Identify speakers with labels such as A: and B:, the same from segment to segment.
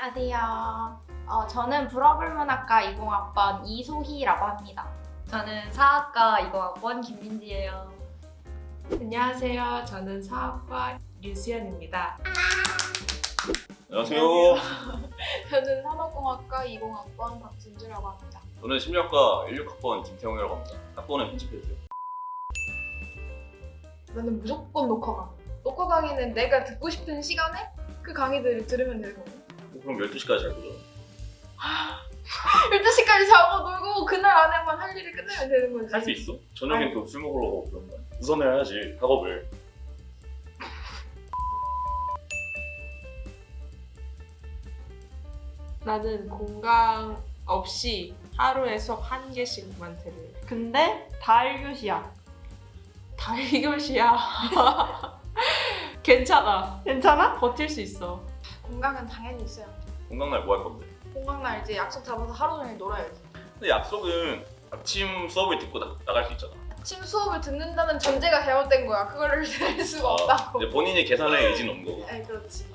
A: 안녕하세요. 저는 불어불문학과 20학번 이소희라고 합니다.
B: 저는 사학과 20학번 김민지예요.
C: 안녕하세요. 저는 사학과 류수연입니다.
D: 안녕하세요.
E: 저는 산업공학과 20학번 박진주라고 합니다.
D: 저는 심리학과 16학번 김태형이라고 합니다. 학번에 편집해주세요.
E: 나는 무조건 녹화 강의. 녹화 강의는 내가 듣고 싶은 시간에 그 강의들을 들으면 되는 거고.
D: 그럼 12시까지 잘 거죠?
E: 12시까지 자고 놀고 그날 안에만 할 일을 끝내면 되는 거지.
D: 할 수 있어? 저녁에 또 술 먹으러 가고 그런 거 아니야? 우선 해야지, 학업을.
C: 나는 공강 없이 하루에 수업 1개씩만 들을래.
B: 근데 다 1교시야.
C: 다 1교시야. 괜찮아.
B: 괜찮아?
C: 버틸 수 있어.
E: 공강은 당연히 있어요.
D: 건강날 뭐 할 건데?
E: 공강날 이제 약속 잡아서 하루 종일 놀아야지.
D: 근데 약속은 아침 수업을 듣고 나갈 수 있잖아.
E: 아침 수업을 듣는다는 전제가 잘못된 거야. 그거를 들 수가 없다고.
D: 근데 본인이 계산할 의지는 없는 거고.
E: 네, 그렇지.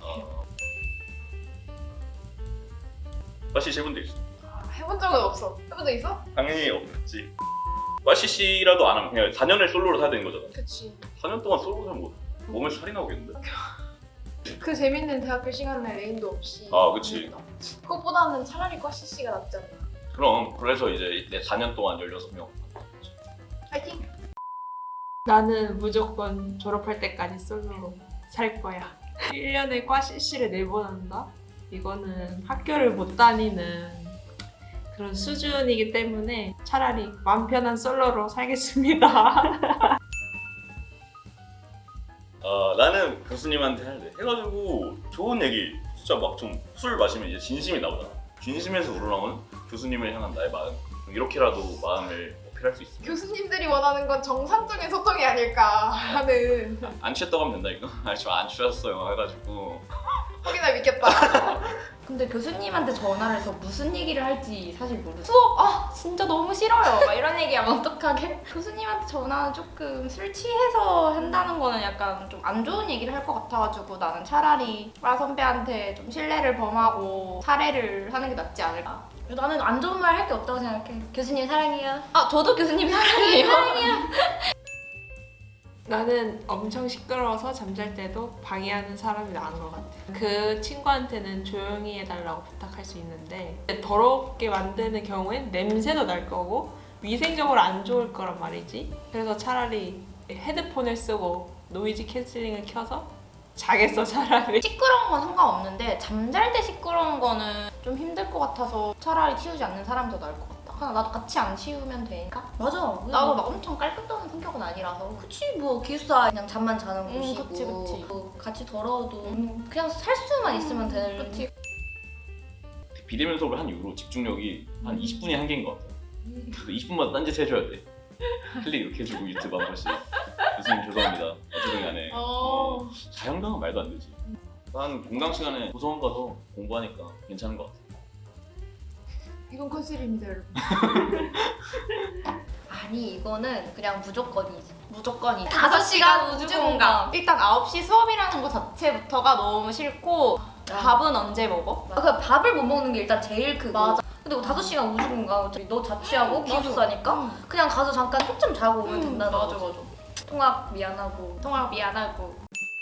D: 마시 해본 적 있어?
E: 해본 적은 없어. 해본 적 있어?
D: 당연히 없지. 마시씨라도 안 하면 그냥 4년을 솔로로 살야 되는 거잖아.
E: 그치.
D: 4년 동안 솔로 살면 뭐 몸에서 살이 나오겠는데?
E: 그 재밌는 대학교 시간에 레인도 없이.
D: 아, 그치.
E: 그것보다는 차라리 과 CC가 낫지 않나.
D: 그럼 그래서 이제 내 4년 동안 16명.
E: 파이팅!
C: 나는 무조건 졸업할 때까지 솔로로 살 거야. 1년에 과 CC를 4번 한다? 이거는 학교를 못 다니는 그런 수준이기 때문에 차라리 마음 편한 솔로로 살겠습니다.
D: 나는 교수님한테 할래. 해가지고 좋은 얘기, 진짜 막 좀 술 마시면 이제 진심이 나오잖아. 진심에서 우러나오는 교수님을 향한 나의 마음. 이렇게라도 마음을 어필할 수 있으면.
E: 교수님들이 원하는 건 정상적인 소통이 아닐까 하는.
D: 안 취했다고 하면 된다니까? 아저씨 안 취했어요 해가지고.
E: 확인하 믿겠다.
B: 근데 교수님한테 전화를 해서 무슨 얘기를 할지 사실 모르겠어. 수업 진짜 너무 싫어요. 막 이런 얘기하면 어떡하게? 교수님한테 전화는 조금 술 취해서 한다는 거는 약간 좀 안 좋은 얘기를 할 것 같아가지고 나는 차라리 과 선배한테 좀 신뢰를 범하고 사례를 하는 게 낫지 않을까. 나는 안 좋은 말 할 게 없다고 생각해. 교수님 사랑해요. 저도 교수님 사랑해요.
C: 나는 엄청 시끄러워서 잠잘 때도 방해하는 사람이 나은 것 같아. 그 친구한테는 조용히 해달라고 부탁할 수 있는데 더럽게 만드는 경우엔 냄새도 날 거고 위생적으로 안 좋을 거란 말이지. 그래서 차라리 헤드폰을 쓰고 노이즈 캔슬링을 켜서 자겠어 차라리.
B: 시끄러운 건 상관없는데 잠잘 때 시끄러운 거는 좀 힘들 것 같아서 차라리 치우지 않는 사람이 더 나을 것 같다. 그냥 나도 같이 안 치우면 되니까. 맞아. 나도 막 엄청 깔끔한 성격은 아니라서. 그치 뭐 기숙사 그냥 잠만 자는 곳이고. 그치. 뭐 같이 더러워도 그냥 살 수만 있으면 되는.
E: 그치.
D: 비대면 수업을 한 이후로 집중력이 한 20분이 한계인 것 같아. 그래서 20분마다 딴짓 해줘야 돼. 클릭 이렇게 해주고 유튜브 한 번씩. 교수님 죄송합니다. 어쨌든 간에 자영당은 말도 안 되지. 난 공강 시간에 도서관 가서 공부하니까 괜찮은 것 같아.
E: 이건 컨셉입니다, 여러분.
B: 아니 이거는 그냥 무조건이지. 무조건이지.
A: 5시간
B: 우주공감. 일단 9시 수업이라는 거 자체부터가 너무 싫고 밥은 언제 먹어? 그 밥을 못 먹는 게 일단 제일 크고. 맞아. 근데 뭐 5시간 우주공감 어차피 너 자취하고 기숙사니까 그냥 가서 잠깐 쪽좀 자고 오면 된다는 거지. 맞아. 통학 미안하고.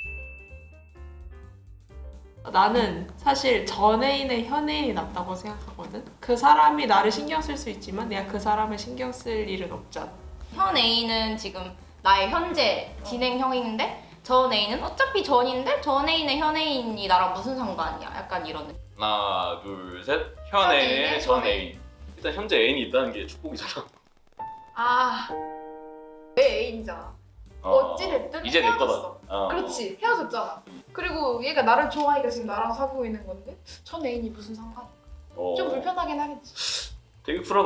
C: 나는 사실 전 애인의 현 애인이 낫다고 생각하거든. 그 사람이 나를 신경 쓸 수 있지만 내가 그 사람을 신경 쓸 일은 없잖아.
B: 현 애인은 지금 나의 현재 진행형인데 전 애인은 어차피 전인데 전 애인의 현 애인이 나랑 무슨 상관이야? 약간 이런 느낌.
D: 하나, 둘, 셋. 현 애인의 전 애인. 일단 현재 애인이 있다는 게 축복이잖아.
E: 내 애인이잖아. 어찌됐든
D: 이제 내
E: 헤어졌어.
D: 거다.
E: 그렇지, 헤어졌잖아. 그리고 얘가 나를 좋아하니까 지금 나랑 사귀고 있는 건데 전 애인이 무슨 상관? 좀 불편하긴 하겠지.
D: 되게 쿨하다.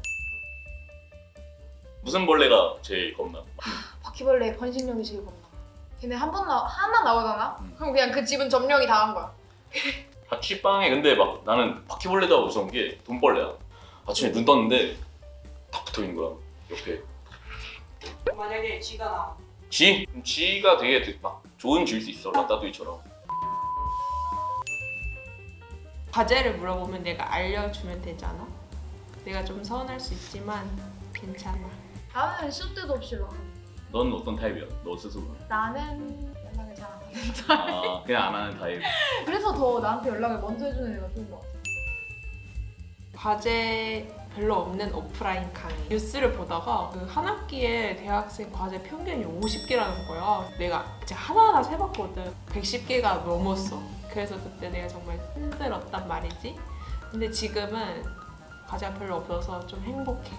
D: 무슨 벌레가 제일 겁나?
E: 바퀴벌레의 번식력이 제일 겁나. 걔네 하나 나오잖아? 그럼 그냥 그 집은 점령이 다 한 거야.
D: 자취방에 근데 막 나는 바퀴벌레다 무서운 게 돈벌레야. 아침에 눈 떴는데 딱 붙어 있는 거야 옆에.
C: 만약에 쥐가 나와.
D: 쥐? 쥐가 되게 막 좋은 쥐일 수 있어. 라따뚜이처럼.
C: 과제를 물어보면 내가 알려주면 되잖아. 내가 좀 서운할 수 있지만 괜찮아.
E: 나는 시도 때도 없이 연락.
D: 넌 어떤 타입이야? 너 스스로?
E: 나는 연락을 잘 안 하는.
D: 아 그냥 안 하는 타입.
E: 그래서 더 나한테 연락을 먼저 해주는 애가 좋은 것 같아.
C: 과제 별로 없는 오프라인 강의. 뉴스를 보다가 그 한 학기에 대학생 과제 평균이 50개라는 거야. 내가 이제 하나하나 세봤거든. 110개가 넘었어. 그래서 그때 내가 정말 힘들었단 말이지. 근데 지금은 과제가 별로 없어서 좀 행복해.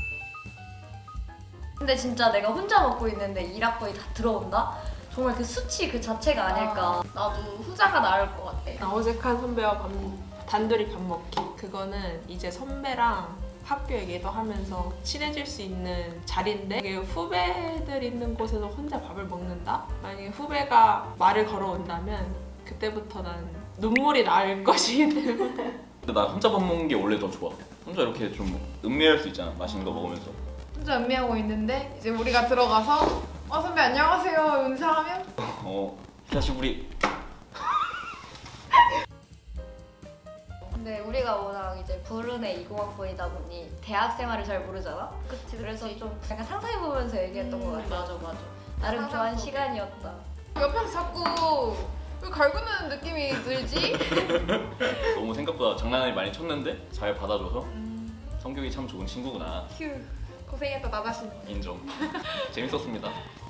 B: 근데 진짜 내가 혼자 먹고 있는데 1학번이 다 들어온다? 정말 그 수치 그 자체가 아닐까. 나도 후자가 나을 것 같아.
C: 나 어색한 선배와 단둘이 밥 먹기. 그거는 이제 선배랑 학교 얘기도 하면서 친해질 수 있는 자리인데 이게 후배들 있는 곳에서 혼자 밥을 먹는다? 만약에 후배가 말을 걸어온다면 그때부터 난 눈물이 날 것이기 때문에.
D: 근데 나 혼자 밥 먹는 게 원래 더 좋아. 혼자 이렇게 좀 음미할 수 있잖아. 맛있는 거 먹으면서.
E: 혼자 음미하고 있는데 이제 우리가 들어가서 선배 안녕하세요 인사하면
D: 사실 우리
B: 근데 우리가 워낙 이제 부르네 20학번이다 보니 대학 생활을 잘 모르잖아? 그치, 그래서 좀 약간 상상해보면서 얘기했던 것 같아. 맞아. 나름 좋아한
E: 상상 속에.
B: 시간이었다.
E: 옆에서 자꾸 왜 갈구는 느낌이 들지?
D: 너무 생각보다 장난을 많이 쳤는데 잘 받아줘서 성격이 참 좋은 친구구나.
E: 휴 고생했다 나 자신.
D: 인정. 재밌었습니다.